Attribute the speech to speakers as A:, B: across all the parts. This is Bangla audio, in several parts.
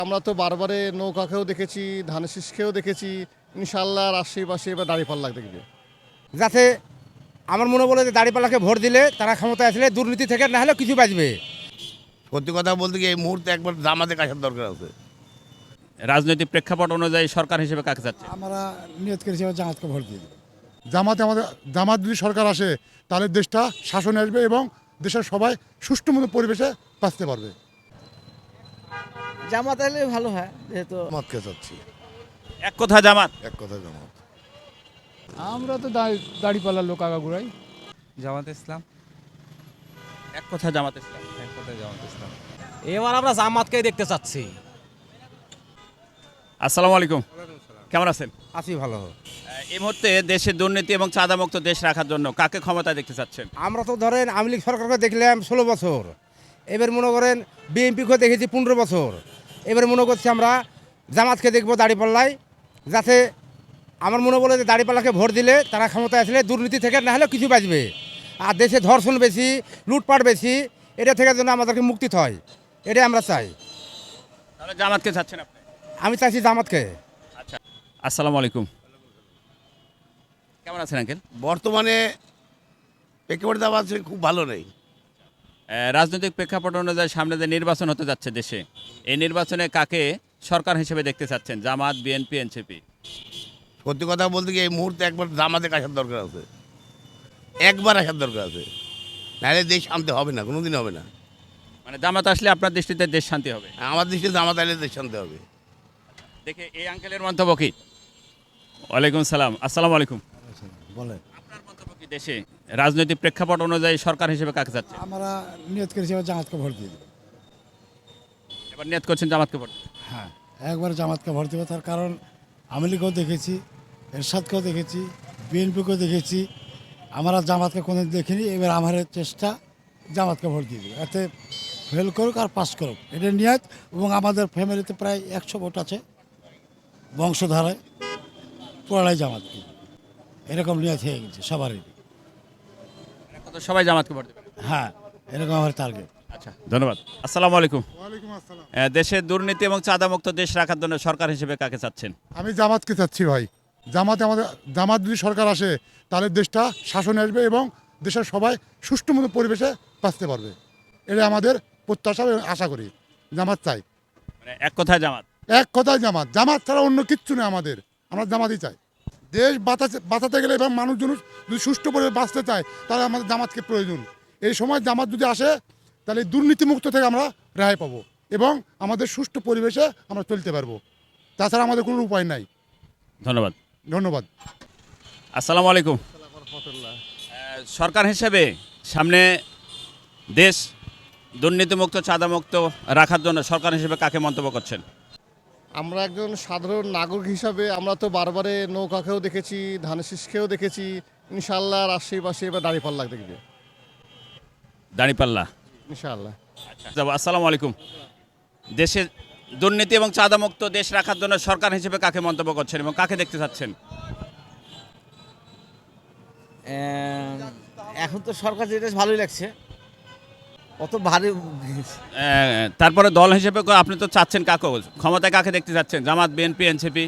A: আমরা তো বারবারে নৌকাকেও দেখেছি, ধানের শীষকেও দেখেছি। ইনশাল্লাহ রাজশাহী পাশে এবার দাঁড়িপাল্লা দেখবে।
B: যাতে আমার মনে বলে যে দাঁড়িপাল্লাকে ভোট দিলে তারা ক্ষমতায় আসলে দুর্নীতি থেকে না হলেও কিছু বাঁচবে।
C: সত্যি কথা বলতে কি এই মুহূর্তে একবার জামাতে আসার দরকার আছে।
D: রাজনৈতিক প্রেক্ষাপট অনুযায়ী সরকার হিসেবে কাকে চাচ্ছে?
E: আমরা নিয়ত করেছি এবার জামাতকে ভোট দিয়ে দেব।
F: জামাত যদি সরকার আসে তাহলে দেশটা শাসনে আসবে এবং দেশের সবাই সুষ্ঠু মতো পরিবেশে বাঁচতে পারবে।
G: জামাত এলে ভালো হয়, যেহেতু
H: জামাতকে চাচ্ছি,
D: এক কথা জামাত।
H: এক কথা জামাত।
E: আমরা তো দাড়িপাল্লার লোক আগাগুড়াই।
I: জামাত ইসলাম।
D: এক কথা জামাত ইসলাম।
I: এক কথা জামাত ইসলাম।
G: এবার আমরা জামাতকে দেখতে চাচ্ছি।
D: আসসালামু আলাইকুম, কেমন আছেন?
B: আছি ভালো।
D: এই মুহূর্তে দেশে দুর্নীতি এবং চাঁদামুক্ত দেশ রাখার জন্য কাকে ক্ষমতা দেখতে চাচ্ছেন?
B: আমরা তো ধরেন আওয়ামী লীগ সরকারকে দেখলাম 16 বছর, এবার মনে করেন বিএনপিকে দেখেছি 15 বছর, এবার মনে করছি আমরা জামাতকে দেখবো দাঁড়িপাল্লায়, যাতে আমার মনে বলে যে দাঁড়িপাল্লাকে ভোট দিলে তারা ক্ষমতায় আসলে দুর্নীতি থেকে না হলেও কিছু বাঁচবে। আর দেশে ধর্ষণ বেশি, লুটপাট বেশি, এটা থেকে যেন আমাদেরকে মুক্তি হয়, এটাই আমরা চাই।
D: তাহলে জামাতকে চাচ্ছেন আপনি?
B: আমি চাইছি জামাতকে।
D: আচ্ছা, আসসালামু আলাইকুম, কেমন আছেন আঙ্কেল?
C: বর্তমানে একেবারে দাম আছে, খুব ভালো নেই।
D: রাজনৈতিক প্রেক্ষাপট অনুযায়ী সামনে যে নির্বাচন হতে যাচ্ছে দেশে, এই নির্বাচনে কাকে সরকার হিসেবে দেখতে চাচ্ছেন? Jamaat, BNP, NCP?
C: সত্যি কথা বলতে কি এই মুহূর্তে একবার জামাতে আসার দরকার আছে, একবার আসার দরকার আছে, নাহলে দেশ শান্তি হবে না, কোনোদিন হবে না।
D: মানে জামাত আসলে আপনার দৃষ্টিতে দেশ শান্তি হবে?
C: আমার দৃষ্টিতে জামাত আইলে দেশ শান্তি হবে।
D: দেখে এই আঙ্কেলের মন্তব্য কি? ওয়ালাইকুম সালাম, আসসালামু আলাইকুম।
E: বলে
D: আপনার মন্তব্য কি দেশে রাজনৈতিক প্রেক্ষাপট অনুযায়ী সরকার হিসেবে কাকে চাচ্ছে?
E: আমরা নিয়ত করেছি এবার জামাতকে ভোট দিয়ে দেব।
D: এবার নিয়ত করছেন জামাতকে ভোট?
E: হ্যাঁ, একবার জামাতকে ভোট দেবো। তার কারণ আওয়ামী লীগকেও দেখেছি, এরশাদকেও দেখেছি, বিএনপিকেও দেখেছি, আমরা জামাতকে কোনো দেখিনি। এবার আমার চেষ্টা জামাতকে ভোট দিয়ে দেবো, এতে ফেল করুক আর পাস করুক, এটা নিয়ত। এবং আমাদের ফ্যামিলিতে প্রায় 100 ভোট আছে বংশধারায়, পড়াই জামাতকে, এরকম নিয়ত হয়ে গেছে সবারই।
D: তো সবাই জামাতকে ভোট দেবে?
E: হ্যাঁ, এরকম আমার টার্গেট।
D: আচ্ছা, ধন্যবাদ। আসসালামু আলাইকুম।
F: ওয়ালাইকুম আসসালাম।
D: দেশে দুর্নীতি এবং চাঁদামুক্ত দেশ রাখার জন্য সরকার হিসেবে কাকে চাচ্ছেন?
F: আমি জামাতকে চাচ্ছি ভাই। জামাত যদি সরকার আসে তাহলে দেশটা শাসনে আসবে এবং দেশের সবাই সুষ্ঠু মতো পরিবেশে বাঁচতে পারবে। এটা আমাদের প্রত্যাশা এবং আশা করি। জামাত চাই,
D: মানে এক কথায় জামাত।
F: এক কথায় জামাত। জামাত ছাড়া অন্য কিচ্ছু নেই আমাদের, আমরা জামাতই চাই। দেশ বাঁচাতে গেলে এবং মানুষজন যদি সুষ্ঠু পরিবেশে বাঁচতে চায় তাহলে আমাদের জামাতকে প্রয়োজন। এই সময় জামাত যদি আসে তাহলে দুর্নীতিমুক্ত থেকে আমরা রেহাই পাবো এবং আমাদের সুষ্ঠু পরিবেশে আমরা চলতে পারবো। তাছাড়া আমাদের কোনো উপায় নাই।
D: ধন্যবাদ।
F: ধন্যবাদ।
D: আসসালামু আলাইকুম। সরকার হিসেবে সামনে দেশ দুর্নীতিমুক্ত চাঁদামুক্ত রাখার জন্য সরকার হিসেবে কাকে মন্তব্য করছেন?
A: আমরা একজন সাধারণ নাগরিক হিসাবে আমরা তো বারবারে নৌকাকেও দেখেছি, ধানের শীষকেও দেখেছি। ইনশাল্লাহ রাজশাহী পাশে এবার দাঁড়িপাল্লা দেখবে।
D: দাঁড়িপাল্লা।
A: ইনশাল্লাহ।
D: আচ্ছা, আসসালামু আলাইকুম। দেশে দুর্নীতি এবং চাঁদামুক্ত দেশ রাখার জন্য সরকার হিসেবে কাকে মন্তব্য করছেন এবং কাকে দেখতে চাচ্ছেন?
G: এখন তো সরকার যেটা ভালোই লাগছে, অত ভারী।
D: তারপরে দল হিসেবে আপনি তো চাচ্ছেন কাকে, ক্ষমতায় কাকে দেখতে চাচ্ছেন? Jamaat, BNP, NCP?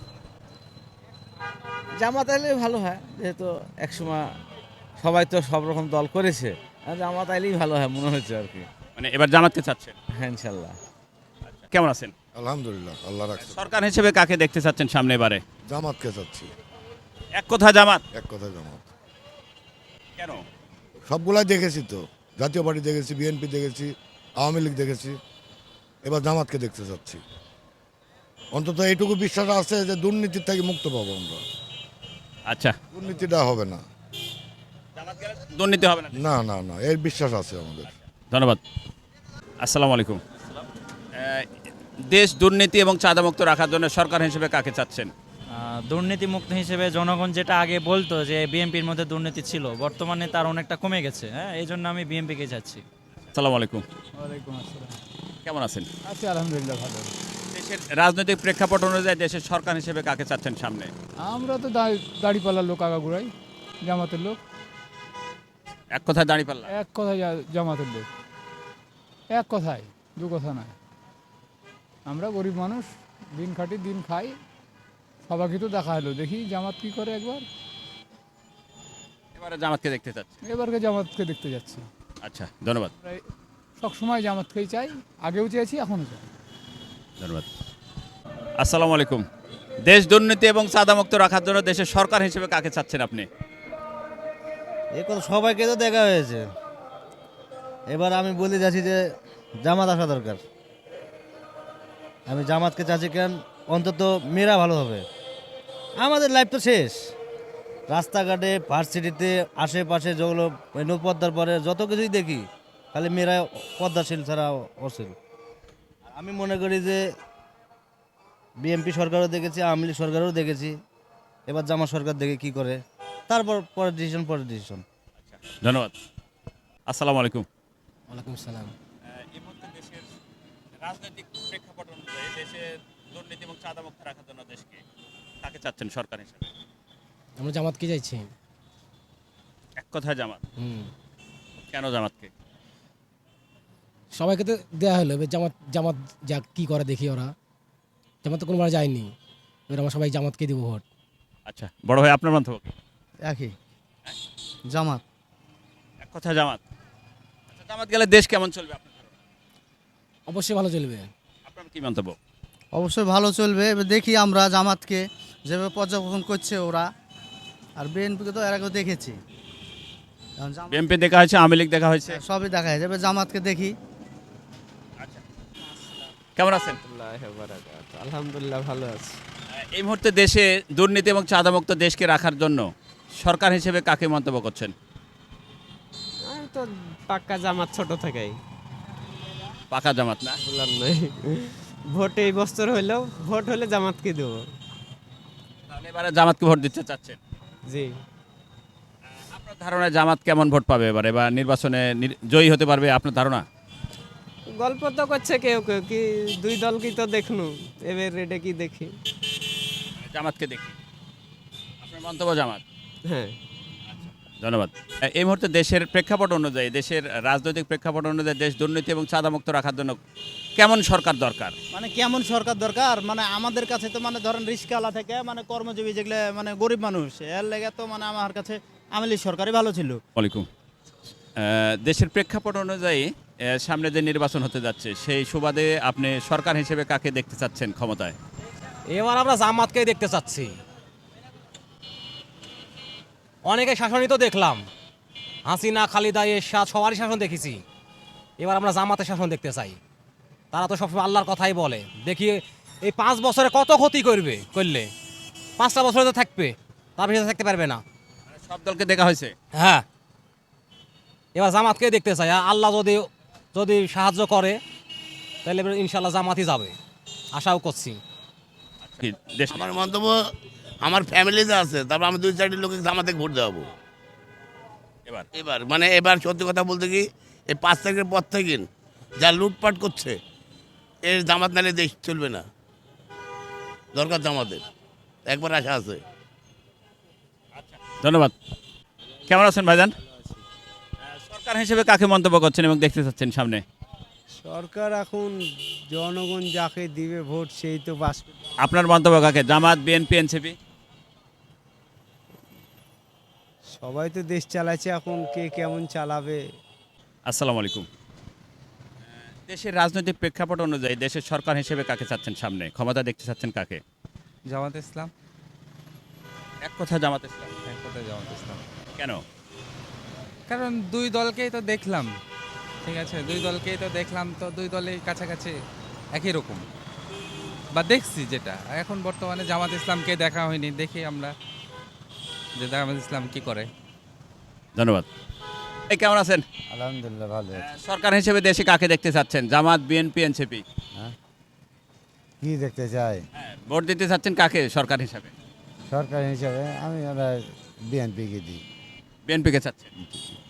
G: জামাত এলে ভালো হয়, যেহেতু একসময় সবাই তো সব রকম দল করেছে, আর জামাত আইলেই ভালো হয় মনে হচ্ছে আর কি।
D: মানে এবার জামাতকে চাচ্ছেন?
G: হ্যাঁ, ইনশাল্লাহ।
D: কেমন আছেন?
H: আলহামদুলিল্লাহ, আল্লাহ রাখছে।
D: সরকার হিসেবে কাকে দেখতে চাচ্ছেন সামনে এবারে?
H: জামাতকে চাচ্ছি,
D: এক কথা জামাত।
H: এক কথা জামাত।
D: কেন?
H: সবগুলাই দেখেছি তো, জাতীয় পার্টি দেখেছি, বিএনপি দেখেছি, আওয়ামী লীগ দেখেছি, এবার জামাতকে দেখতে চাচ্ছি। অন্তত এইটুকু বিশ্বাস আছে যে দুর্নীতির থেকে মুক্ত পাবো আমরা।
D: আচ্ছা,
H: দুর্নীতিটা হবে না,
D: দুর্নীতি হবে না?
H: না না না, এর বিশ্বাস আছে আমাদের।
D: ধন্যবাদ। আসসালামু আলাইকুম। দেশ দুর্নীতি এবং চাঁদামুক্ত রাখার জন্য সরকার হিসেবে কাকে চাচ্ছেন?
I: দুর্নীতিমুক্ত হিসেবে জনগণ যেটা আগে বলতো যে বিএনপির মধ্যে দুর্নীতি ছিল, বর্তমানে তার অনেকটা কমে গেছে। হ্যাঁ, এই জন্য আমি বিএনপিকে চাচ্ছি।
D: আসসালামু আলাইকুম,
E: ওয়ালাইকুম আসসালাম।
D: কেমন আছেন?
E: আছি আলহামদুলিল্লাহ, ভালো।
D: দেশের রাজনৈতিক প্রেক্ষাপট অনুযায়ী দেশের সরকার হিসেবে কাকে চাচ্ছেন সামনে?
E: আমরা তো দাড়িপাল্লার লোক আগাগুড়াই, জামাতের লোক।
D: এক কথায় দাঁড়িপাল্লা।
E: এক কথায় জামাতের লোক, এক কথায়, দু কথা নয়। আমরা গরিব মানুষ, দিন খাটি দিন খাই, সবাইকে তো দেখা হলো, দেখি জামাত কি করে একবার।
D: এবারে জামাতকে দেখতে চাচ্ছেন।
E: এবারকে জামাতকে দেখতে যাচ্ছি।
D: আচ্ছা, ধন্যবাদ।
E: প্রায় সবসময় জামাতকেই চাই, আগেও চেয়েছি এখনও চাই।
D: ধন্যবাদ। আসসালামু আলাইকুম। দেশ দুর্নীতি এবং চাঁদামুক্ত রাখার জন্য দেশের সরকার হিসেবে কাকে চাচ্ছেন আপনি?
G: এই কথা সবাইকে তো দেখা হয়েছে, এবার আমি বলে যাচ্ছি যে জামাত আসা দরকার। আমি জামাতকে চাচ্ছি, কেন অন্তত মেয়েরা ভালো হবে। আমাদের লাইফ তো শেষ, রাস্তাঘাটে ভার্সিটিতে আশেপাশে যেগুলো নৌপদ্মার পরে যত কিছুই দেখি খালি মেয়েরা পদ্মাশীল ছাড়া অশীল। আমি মনে করি যে বিএনপি সরকারও দেখেছি, আওয়ামী লীগ সরকারও দেখেছি, এবার জামাত সরকার দেখে কি করে, তারপর পরের ডিসিশন।
D: ধন্যবাদ। আসসালামু আলাইকুম।
B: ওয়ালাইকুম সালাম।
D: এই মুহূর্তে দেশের রাজনৈতিক প্রেক্ষাপট অনুযায়ী দেশের দুর্নীতি এবং চাঁদামুক্ত রাখার জন্য দেশকে কাকে চাচ্ছেন সরকার হিসেবে?
B: আমরা জামাতকে চাইছি।
D: এক কথায় জামাত। কেন জামাতকে?
B: সবাইকে তো দেওয়া হলো, এবার জামাত যা কি করে দেখি। ওরা জামাত তো কোনোবার যায়নি, এবার আমরা সবাই জামাতকে দিব ভোট।
D: আচ্ছা, বড় ভাই আপনার মন্তব্য কি?
G: একই, জামাত।
D: এক কথায় জামাত। আচ্ছা, জামাত গেলে দেশ কেমন চলবে আপনার ধারণা?
B: অবশ্যই ভালো চলবে।
D: আপনার কি মন্তব্য?
G: অবশ্যই ভালো চলবে। এবার দেখি আমরা জামাতকে যেভাবে পর্যবেক্ষণ করছে ওরা, আর বিএনপিকে তো এর আগেও দেখেছি। এখন
D: বিএনপি দেখা হয়েছে, আওয়ামী লীগ দেখা হয়েছে।
G: সবই দেখা যায়, এবার জামাতকে দেখি।
D: আচ্ছা, কেমন আছেন?
G: আলহামদুলিল্লাহ ভালো আছে।
D: এই মুহূর্তে দেশে দুর্নীতি এবং চাঁদামুক্ত দেশকে রাখার জন্য সরকার হিসেবে কাকে মন্তব্য করছেন?
J: আমি তো পাক্কা জামাত ছোট থেকেই,
D: পাকা জামাত না?
J: বললাম নাই। ভোট এই বছর হইলেও ভোট হলে জামাতকে দেব।
D: তাহলে এবারে জামাতকে ভোট দিতে চাচ্ছেন?
J: জি।
D: আপনার ধারণায় জামাত কেমন ভোট পাবে এবারে, বা নির্বাচনে জয়ী হতে পারবে আপনার ধারণা?
J: গল্প তো করছে কেউ কেউ, কি দুই দল কি তো দেখনু, এবার এটা কি দেখি।
D: জামাতকে দেখি। আপনার মন্তব্য জামাত?
J: হ্যাঁ।
D: ধন্যবাদ। এই মুহূর্তে দেশের প্রেক্ষাপট অনুযায়ী, দেশের রাজনৈতিক প্রেক্ষাপট অনুযায়ী দেশ দুর্নীতি এবং চাঁদামুক্ত রাখার জন্য কেমন সরকার দরকার?
K: মানে কেমন সরকার দরকার, মানে আমাদের কাছে তো মানে ধরেন রিস্কাওয়ালা থেকে মানে কর্মজীবী যেগুলো মানে গরিব মানুষ, এর লেগে তো মানে আমার কাছে আওয়ামী লীগ সরকারই ভালো ছিল।
D: ওয়ালাইকুম। দেশের প্রেক্ষাপট অনুযায়ী সামনে যে নির্বাচন হতে যাচ্ছে, সেই সুবাদে আপনি সরকার হিসেবে কাকে দেখতে চাচ্ছেন ক্ষমতায়?
K: এবার আমরা জামাতকেই দেখতে চাচ্ছি। অনেকে শাসনই তো দেখলাম, হাসিনা, খালিদা, এরশাদ সবারই শাসন দেখেছি। এবার আমরা জামাতের শাসন দেখতে চাই। তারা তো সবসময় আল্লাহর কথাই বলে। দেখি এই 5 বছরে কত ক্ষতি করলে 5টা বছরে তো থাকবে, তার বেশি থাকতে পারবে না।
D: সব দলকে দেখা হয়েছে।
K: হ্যাঁ, এবার জামাতকেই দেখতে চাই। আল্লাহ যদি সাহায্য করে তাহলে এবার ইনশাল্লাহ জামাতই যাবে, আশাও করছি।
D: কি দেশ
C: আমার মন্তব্য, আমার ফ্যামিলিতে আছে, তারপর আমি 2-4টি লোকে জামাতে ভোট দেওয়াবো এবার সত্যি কথা বলতে কি, এই 5 তারিখের পর থেকে যা লুটপাট করছে, এর জামাত নালে দেশ চলবে না। দরকার জামাতের, একবার আশা আছে।
D: ধন্যবাদ। কেমন আছেন ভাইজান? সরকার হিসেবে কাকে মন্তব্য করছেন এবং দেখতে চাচ্ছেন সামনে?
J: সরকার এখন জনগণ যাকে দিবে ভোট সেই তো বাস।
D: আপনার মন্তব্য কাকে? Jamaat, BNP, NCP?
J: সবাই তো দেশ চালাচ্ছে, এখন কে কেমন চালাবে।
D: আসসালামু আলাইকুম। দেশের রাজনৈতিক প্রেক্ষাপট অনুযায়ী দেশের সরকার হিসেবে কাকে চাচ্ছেন সামনে, ক্ষমতা দেখতে চাচ্ছেন কাকে?
G: জামাত ইসলাম।
D: এক কথা জামাত ইসলাম।
G: এক কথায় জামাত ইসলাম।
D: কেন?
G: কারণ দুই দলকেই তো দেখলাম, ঠিক আছে, দুই দলকেই তো দেখলাম, তো দুই দলেই কাছাকাছি একই রকম, বা দেখছি যেটা। এখন বর্তমানে জামাত ইসলামকে দেখা হয়নি, দেখি আমরা যে জামাত ইসলাম কি করে।
D: ধন্যবাদ। এই কেমন আছেন?
G: আলহামদুলিল্লাহ ভালো।
D: সরকার হিসেবে দেশে কাকে দেখতে চাচ্ছেন? Jamaat, BNP, NCP?
G: কি দেখতে চাই
D: ভোট দিতে চাচ্ছেন কাকে সরকার হিসাবে?
G: সরকার হিসাবে আমি বিএনপিকে দিই।
D: বিএনপিকে চাচ্ছেন।